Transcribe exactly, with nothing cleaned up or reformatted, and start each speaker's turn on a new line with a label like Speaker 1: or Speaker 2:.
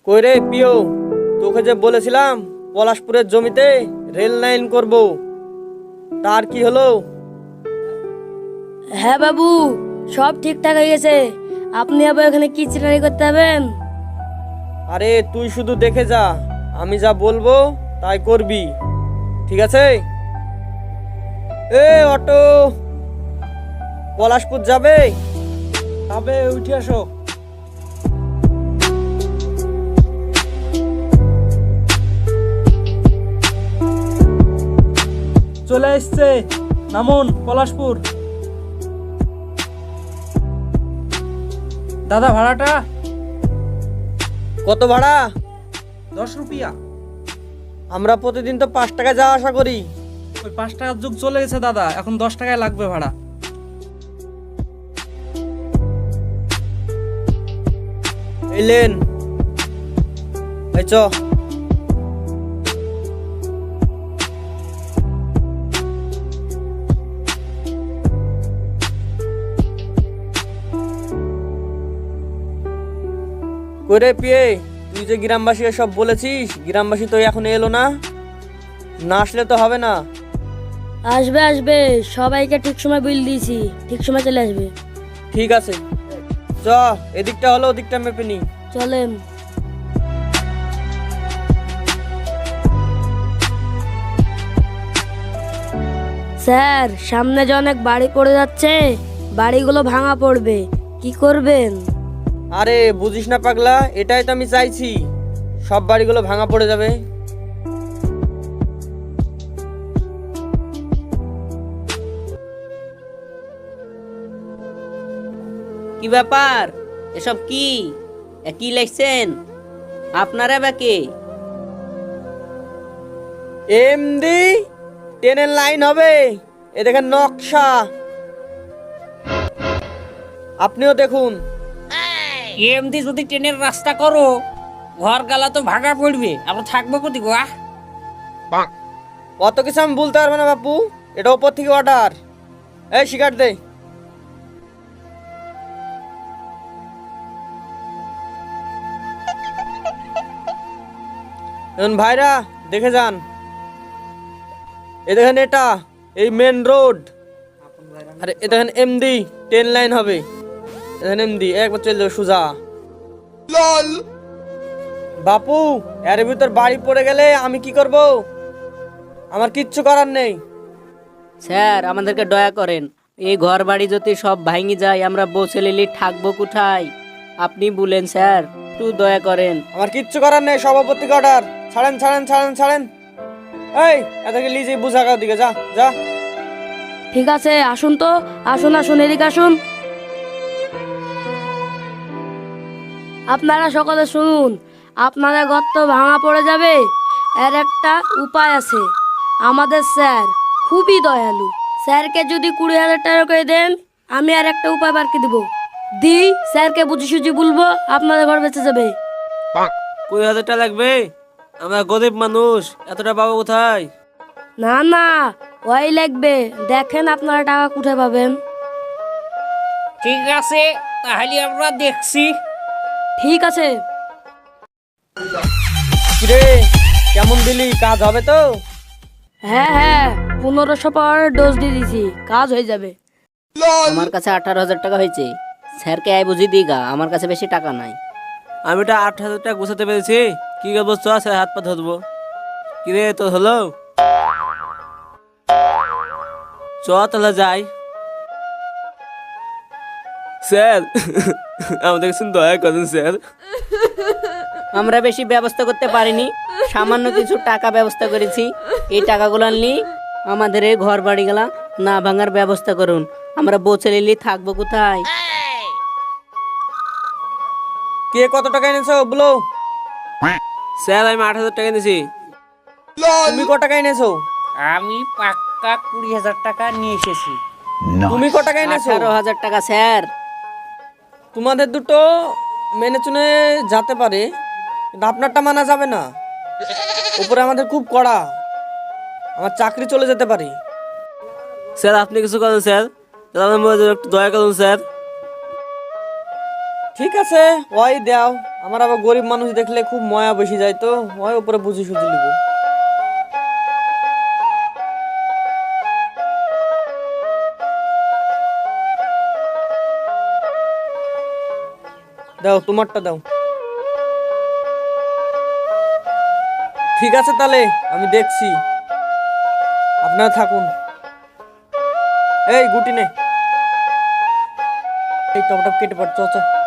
Speaker 1: কই রে পিও, তোকে যে বলেছিলাম পলাশপুরের জমিতে রেল লাইন করব, তার কি হলো?
Speaker 2: হ্যাঁ বাবু, সব ঠিকঠাক হয়ে গেছে। আপনি আবার এখানে কি চিনারি করতে হবেন?
Speaker 1: আরে তুই শুধু দেখে যা, আমি যা বলবো তাই করবি, ঠিক আছে? এ অটো, পলাশপুর যাবে?
Speaker 3: তবে উঠে আসো। চলে এসছে, নামুন পলাশপুর। দাদা ভাড়াটা
Speaker 1: কত ভাড়া?
Speaker 3: দশ রুপিয়া।
Speaker 1: আমরা প্রতিদিন তো পাঁচ টাকা যাওয়া আসা করি।
Speaker 3: ওই পাঁচ টাকার যুগ চলে গেছে দাদা, এখন দশ টাকায় লাগবে ভাড়া।
Speaker 1: এলেন, এই চ। করে পিয়ে, তুই যে গ্রামবাসী সব বলেছিস, গ্রামবাসী তো এখন এলো না, না আসলে তো হবে না।
Speaker 2: আসবে আসবে, সবাইকে ঠিক সময় বিল দিয়েছি, ঠিক সময় চলে আসবে।
Speaker 1: ঠিক আছে, চ। এদিকটা হলো, ওদিকটা মেপে নি।
Speaker 2: চলেন। স্যার, সামনে যে অনেক বাড়ি পড়ে যাচ্ছে, বাড়িগুলো ভাঙা পড়বে, কি করবেন?
Speaker 1: আরে বুঝিস না পাগলা, এটাই তো আমি চাইছি, সব বাড়িগুলো ভাঙা পড়ে যাবে।
Speaker 4: কি ব্যাপার? এসব কি এ কি লিখছেন আপনারা? বা কে?
Speaker 1: এমডি ট্রেনের লাইন হবে, এ দেখেন নকশা, আপনিও দেখুন।
Speaker 5: এমনি যদি ট্রেনের রাস্তা করো, ঘর গালা তো ভাঙা পড়বে, আমরা থাকবো কোথি গো? আহ?
Speaker 1: অত কিছু আমি বলতে পারবো না বাপু, এটা ওপর থেকে অর্ডার। এই শিকার দে। এখন ভাইরা দেখে যান, এ দেখেন এটা এই মেন রোড, আরে এ দেখেন এমডি ট্রেন লাইন হবে, এ দেখেন এমডি একবার চলে যাবে সোজা। বাপু, এর ভিতর বাড়ি পড়ে গেলে আমি কি করব? আমার কিচ্ছু করার নেই।
Speaker 4: স্যার, আমাদেরকে দয়া করেন, এই ঘর বাড়ি যদি সব ভাঙি যায়, আমরা বসেলিলি থাকবো কোথায়? আপনি বলেন স্যার, একটু দয়া করেন।
Speaker 1: আমার কিচ্ছু করার নেই, সভাপতি অর্ডার। ছাড়েন ছাড়েন ছাড়েন ছাড়েন। এই এদেরকে লিজে বুঝা গাও দিকে যা যা।
Speaker 2: ঠিক আছে, আসুন তো, আসুন আসুন, এদিকে আসুন। আপনারা সকলে শুনুন, আপনাদের ঘর তো ভাঙা পড়ে যাবে, এর একটা উপায় আছে। আমাদের স্যার খুবই দয়ালু, স্যারকে যদি কুড়ি হাজার টাকা করে দেন, আমি আর একটা উপায় বারকে দিব, দি স্যারকে বুঝি সুঝি বলবো, আপনাদের ঘর বেঁচে যাবে।
Speaker 1: কুড়ি হাজার টাকা লাগবে? আমরা গরিব মানুষ, এতটা পাবো কোথায়?
Speaker 2: না না, ওই লাগবে, দেখেন আপনারা টাকা কোথায় পাবেন।
Speaker 5: ঠিক আছে, তাহলে আমরা দেখছি।
Speaker 2: ঠিক আছে।
Speaker 1: কিরে, কেমন দিলি? কাজ হবে তো?
Speaker 2: হ্যাঁ হ্যাঁ, পনেরোশো পাওয়ার ডোজ দিয়ে দিছি, কাজ হয়ে যাবে।
Speaker 4: আমার কাছে আঠারো হাজার টাকা হয়েছে, স্যারকে আয় বুঝি দিগা, আমার কাছে বেশি টাকা নাই।
Speaker 1: আমি ওটা আট হাজার টাকা গোছাতে পেরেছি, কি করবো? চ স্যার, হাত পা ধরবো। কিরে তো হলো, চ তাহলে যাই। স্যার আমাদের কিছু দয়া করেন স্যার।
Speaker 4: আমরা বেশি ব্যবস্থা করতে পারিনি, সামান্য কিছু টাকা ব্যবস্থা করেছি। এই টাকাগুলো আনলি আমাদের এই ঘর বাড়ি গেলা না ভাঙার ব্যবস্থা করুন, আমরা বসেলিলি থাকবো কোথায়?
Speaker 1: কে কত টাকা এনেছো বলো? স্যার আমি আট হাজার টাকা এনেছি। তুমি কত টাকা এনেছো?
Speaker 5: আমি পাক্কা কুড়ি হাজার টাকা নিয়ে এসেছি।
Speaker 1: তুমি কত টাকা এনেছো?
Speaker 4: আঠারো হাজার টাকা স্যার।
Speaker 1: তোমাদের দুটো মেনে চুনে যেতে পারে, কিন্তু আপনারটা মানা যাবে না। উপরে আমাদের খুব কড়া, আমার চাকরি চলে যেতে পারে। স্যার আপনি কিছু করেন স্যার, একটু দয়া করুন স্যার। ঠিক আছে ওই দাও, আমার আবার গরিব মানুষ দেখলে খুব ময়া বেশি যায়, তো ওই উপরে বুঝি সুঝি নিব। দাও তোমারটা দাও। ঠিক আছে তাহলে আমি দেখছি, আপনারা থাকুন। এই গুটি নে, এই টপ টপ কেটে পড়, চ চ।